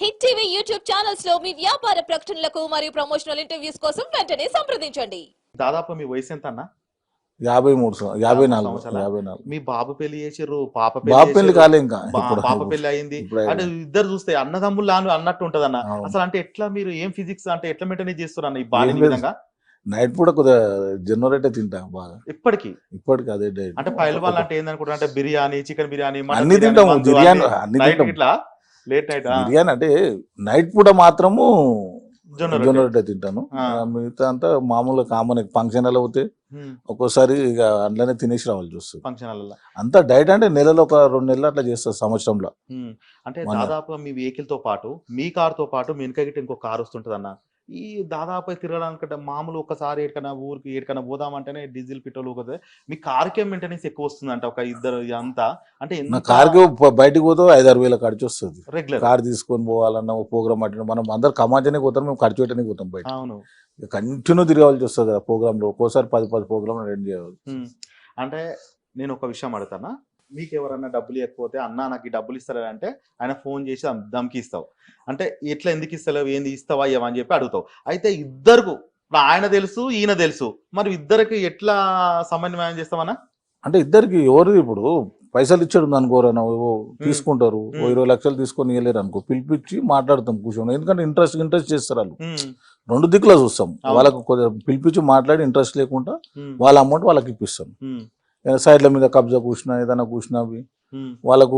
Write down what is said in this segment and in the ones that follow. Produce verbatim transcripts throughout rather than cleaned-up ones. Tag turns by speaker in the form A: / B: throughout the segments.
A: Hit TV YouTube channels లో మీ వ్యాపార ప్రకటనలకు మరియు ప్రమోషనల్ ఇంటర్వ్యూస్ కోసం వెంటనే సంప్రదించండి.
B: దాదాపు మీ వయసు ఎంత అన్న?
C: యాభై మూడు యాభై నాలుగు యాభై నాలుగు.
B: మీ బాబు పెళ్లి చేసిర్రు, పాప
C: బాబు పెళ్లి కాలే ఇంకా,
B: పాప పెళ్లి అయింది. అంటే ఇద్దరు చూస్తే అన్నదమ్ములు అన్నట్టు ఉంటది అన్న. అసలు అంటే ఎట్లా మీరు ఏం ఫిజిక్స్ అంటే ఎట్లా మెయింటైన్ చేస్తారు అన్న ఈ బాడీ విధంగా?
C: నైట్ పూట కొద్దిగా జనరేట్ తింటా బాగా
B: ఇప్పటికి
C: ఇప్పటికి అదే డైట్.
B: అంటే పైల్వాన్ అంటే ఏందనుకుంటా అంటే బిర్యానీ, చికెన్ బిర్యానీ
C: అన్ని తింటాము, బిర్యానీ అన్ని తింటాం.
B: ఇట్లా లేట్ నైట్
C: బిర్యానీ అంటే నైట్ పూట మాత్రము జొన్న రొట్టె తింటాను. మిగతా అంతా మామూలుగా కామన్ ఫంక్షన్ అలా పోతే ఒక్కోసారి ఇక అందులోనే తినేసి రావాల్సి వస్తుంది.
B: ఫంక్షన్
C: అంతా డైట్ అంటే నెలలో ఒక రెండు నెలలు అట్లా చేస్తారు సంవత్సరంలో.
B: అంటే దాదాపుగా మీ వెహికల్ తో పాటు మీ కార్ తో పాటు మీ వెనక గిట్ట ఇంకో కార్ వస్తుంటది అన్న. ఈ దాదాపు తిరగడానికంటే మామూలు ఒకసారి ఏడికన్నా ఊరికి ఏడికన్నా పోదామంటేనే డీజిల్ పెట్రోల్ కదా, మీ కార్కే మెయింటెనెన్స్ ఎక్కువ వస్తుంది అంటే ఒక ఇద్దరు అంతా. అంటే
C: కార్కి బయటకు పోతే ఐదారు వేల ఖర్చు వస్తుంది.
B: రెగ్యులర్ కార్
C: తీసుకొని పోవాలన్న ప్రోగ్రామ్ అంటే మనం అందరు కమాంచనే పోతాం, మేము ఖర్చు పెట్టడానికి పోతాం బయట.
B: అవును,
C: కంటిన్యూ తిరగాల్సి వస్తుంది కదా ప్రోగ్రామ్ లో. ఒక్కోసారి పది పది ప్రోగ్రామ్ అటెండ్ చేయాలి.
B: అంటే నేను ఒక విషయం అడుగుతానా, మీకు ఎవరన్నా డబ్బులు ఇవ్వకపోతే అన్న నాకు ఈ డబ్బులు ఇస్తారా అంటే ఆయన ఫోన్ చేసి దమ్కి ఇస్తావు అంటే ఎట్లా ఎందుకు ఇస్తలేవు, ఏంది ఇస్తావా ఇవ్వని చెప్పి అడుగుతావు. అయితే ఇద్దరు ఆయన తెలుసు ఈయన తెలుసు, మరి ఇద్దరికి ఎట్లా సమన్వయం చేస్తామన్నా?
C: అంటే ఇద్దరికి ఎవరు ఇప్పుడు పైసలు ఇచ్చాడు అనుకోరా, తీసుకుంటారు ఇరవై లక్షలు తీసుకొని ఇవ్వలేరు అనుకో, పిలిపించి మాట్లాడతాం కూర్చొని. ఎందుకంటే ఇంట్రెస్ట్ ఇంట్రెస్ట్ చేస్తారు వాళ్ళు. రెండు దిక్కులా చూస్తాం, వాళ్ళకు కొద్దిగా పిలిపించి మాట్లాడి ఇంట్రెస్ట్ లేకుండా వాళ్ళ అమౌంట్ వాళ్ళకి ఇప్పిస్తాం. సైడ్ల మీద కబ్జా కూర్చున్నా ఏదైనా కూర్చున్నా అవి వాళ్ళకు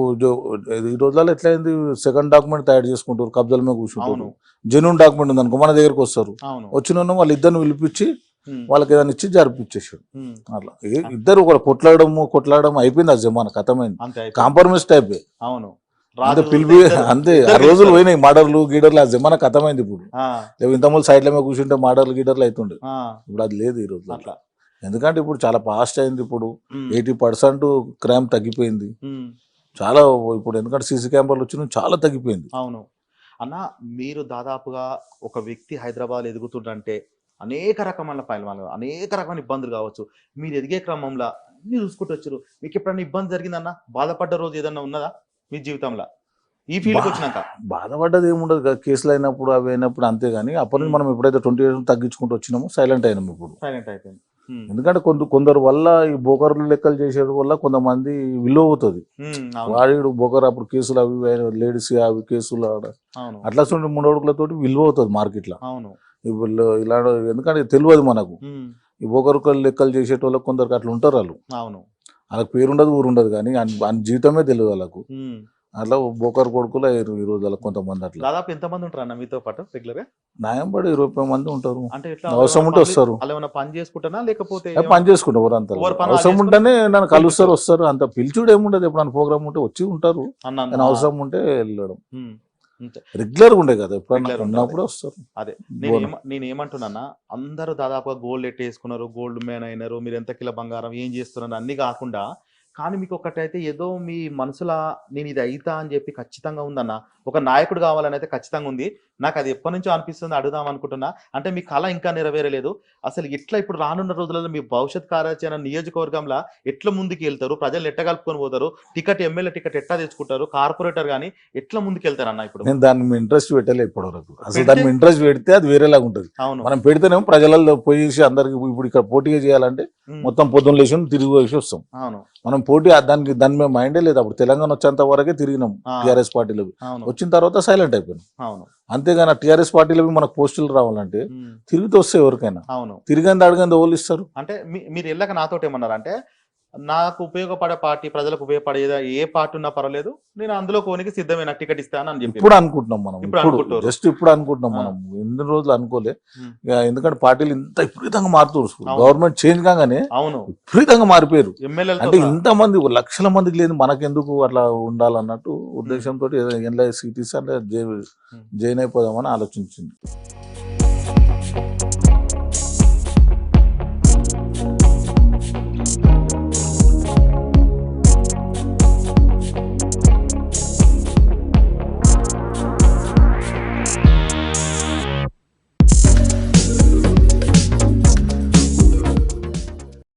C: ఈ రోజులలో ఎట్లయింది, సెకండ్ డాక్యుమెంట్ తయారు చేసుకుంటారు, కబ్జాల మీద కూర్చుంటారు. జెన్యూన్ డాక్యుమెంట్ ఉంది అనుకో మన దగ్గరకు వస్తారు, వచ్చిన వాళ్ళు ఇద్దరిని పిలిపించి వాళ్ళకి ఏదైనా ఇచ్చి జరిపించేసాడు. అట్లా ఇద్దరు కూడా కొట్లాడము కొట్లాడడం అయిపోయింది, ఆ జమాన కథమైంది, కాంప్రమైజ్ టైప్.
B: అవును,
C: అంతే పిలిపి అంతే. ఆ రోజులు పోయినాయి మర్డర్లు గీడర్లు, ఆ జమాన కథమైంది. ఇప్పుడు ఇంతమంది సైడ్ల మీద కూర్చుంటే మర్డర్లు గీడర్లు అవుతుండే, ఇప్పుడు అది లేదు ఈ రోజు అట్లా. ఎందుకంటే ఇప్పుడు చాలా ఫాస్ట్ అయింది, ఇప్పుడు ఎయిటీ పర్సెంట్ క్రైమ్ తగ్గిపోయింది చాలా ఇప్పుడు. ఎందుకంటే సీసీ కెమెరాలు వచ్చిన చాలా తగ్గిపోయింది.
B: అవును అన్న, మీరు దాదాపుగా ఒక వ్యక్తి హైదరాబాద్ ఎదుగుతుంటే అనేక రకమైన పైన అనేక రకమైన ఇబ్బందులు కావచ్చు, మీరు ఎదిగే క్రమంలో అన్ని చూసుకుంటూ వచ్చారు. మీకు ఎప్పుడైనా ఇబ్బంది జరిగిందన్న, బాధపడ్డ రోజు ఏదన్నా ఉన్నదా మీ జీవితంలో ఈ ఫీల్డ్కి వచ్చినాక?
C: బాధపడ్డది ఏముండదు కదా, కేసులు అయినప్పుడు అవి అయినప్పుడు అంతే. కానీ అప్పటి నుంచి మనం ఎప్పుడైతే ట్వంటీ ఇయర్స్ తగ్గించుకుంటూ వచ్చినామో సైలెంట్ అయినాము. ఇప్పుడు
B: సైలెంట్ అయిపోయింది.
C: ఎందుకంటే కొంత కొందరు వల్ల ఈ బోకర్లు లెక్కలు చేసేది వల్ల కొంతమంది విలువ అవుతుంది. వాడు బోకర్ అప్పుడు కేసులు అవి లేడీస్ అవి కేసులు అట్లా మూడు అడుగులతోటి విలువ అవుతుంది మార్కెట్ లో. ఇప్పుడు ఇలా ఎందుకంటే తెలియదు మనకు, ఈ బోకర్ లెక్కలు చేసేటోళ్ళకి కొందరికి అట్లా ఉంటారు వాళ్ళు. వాళ్ళకి పేరుండదు ఊరుండదు కానీ జీవితమే తెలియదు వాళ్ళకు. అట్లా బోకర్ కొడుకులు ఈ రోజు అలా కొంతమంది అట్లా.
B: దాదాపు ఎంత మంది ఉంటారు అన్న మీతో పాటు రెగ్యులర్ గా?
C: న్యాయం పడి ఇరవై మంది ఉంటారు. అంటే అవసరం ఉంటే వస్తారు.
B: పని చేసుకుంటానా లేకపోతే
C: పని చేసుకుంటారు ఊరంతా, అవసరం ఉంటేనే నన్ను కలుస్తారు వస్తారు. అంత పిలిచుడు ఏముండదు, ఎప్పుడన్నా ప్రోగ్రామ్ ఉంటే వచ్చి ఉంటారు, అవసరం ఉంటే వెళ్ళడం. రెగ్యులర్ గా ఉండే కదా, ఎప్పుడన్నా ఉన్నప్పుడు వస్తారు.
B: అదే నేను నేను ఏమంటున్నా, అందరూ దాదాపుగా గోల్డ్ ఎట్ వేసుకున్నారు, గోల్డ్ మ్యాన్ అయినారు, మీరు ఎంత కిలో బంగారం ఏం చేస్తున్నారు అన్ని కాకుండా, కానీ మీకు ఒకటైతే ఏదో మీ మనసులో నేను ఇది అయితా అని చెప్పి ఖచ్చితంగా ఉందన్న, ఒక నాయకుడు కావాలని అయితే ఖచ్చితంగా ఉంది. నాకు అది ఎప్పటి నుంచో అనిపిస్తుంది, అడుగుదాం అనుకుంటున్నా. అంటే మీ కళ ఇంకా నెరవేరలేదు. అసలు ఎట్లా ఇప్పుడు రానున్న రోజులలో మీ భవిష్యత్ కార్యాచరణ నియోజకవర్గంలో ఎట్లా ముందుకు వెళ్తారు, ప్రజలు ఎట్లా కలుపుకొని పోతారు, టికెట్ ఎమ్మెల్యే టికెట్ ఎట్లా తెచ్చుకుంటారు, కార్పొరేటర్ కానీ ఎట్లా ముందుకు వెళ్తారు అన్న? ఇప్పుడు
C: నేను దాని ఇంట్రెస్ట్ పెట్టలే ఇప్పటి వరకు. అసలు దాని ఇంట్రెస్ట్ పెడితే అది వేరేలాగా ఉంటుంది. మనం పెడితేనేమో ప్రజలలో పోయేసి అందరికి ఇప్పుడు ఇక్కడ పోటీగా చేయాలంటే మొత్తం పొద్దున్న లేచి తిరిగి వేసి వస్తాం. మనం పోటీ దానికి దాని మీద మైండే లేదు. అప్పుడు తెలంగాణ వచ్చేంత వరకే తిరిగినాం టీఆర్ఎస్ పార్టీలో, వచ్చిన తర్వాత సైలెంట్ అయిపోయినాం. అంతేగాని టీఆర్ఎస్ పార్టీలో మనకు పోస్టులు రావాలంటే తిరిగితే వస్తే ఎవరికైనా, తిరిగింది అడిగింది ఓళ్ళు ఇస్తారు.
B: అంటే మీరు వెళ్ళక నాతోటి ఏమన్నారు అంటే, నాకు ఉపయోగపడే పార్టీ, ప్రజలకు ఉపయోగపడే ఏ పార్టీ ఉన్నా పర్వాలేదు, నేను అందులో కోనికి సిద్ధమైన టికెట్ ఇస్తాను అని చెప్పి
C: ఇప్పుడు అనుకుంటున్నాం. మనం ఇప్పుడు జస్ట్ ఇప్పుడు అనుకుంటున్నాం, మనం ఎన్ని రోజులు అనుకోలే. ఎందుకంటే పార్టీలు ఇంత విపరీతంగా మారుతూ గవర్నమెంట్ చేంజ్ కాగానే
B: అవును
C: విపరీతంగా మారిపోయారు. అంటే ఇంతమంది లక్షల మందికి లేదు, మనకెందుకు అట్లా ఉండాలన్నట్టు ఉద్దేశంతో ఎన్ఐ సీటీస్ అంటే జైన్ అయిపోదామని ఆలోచించింది.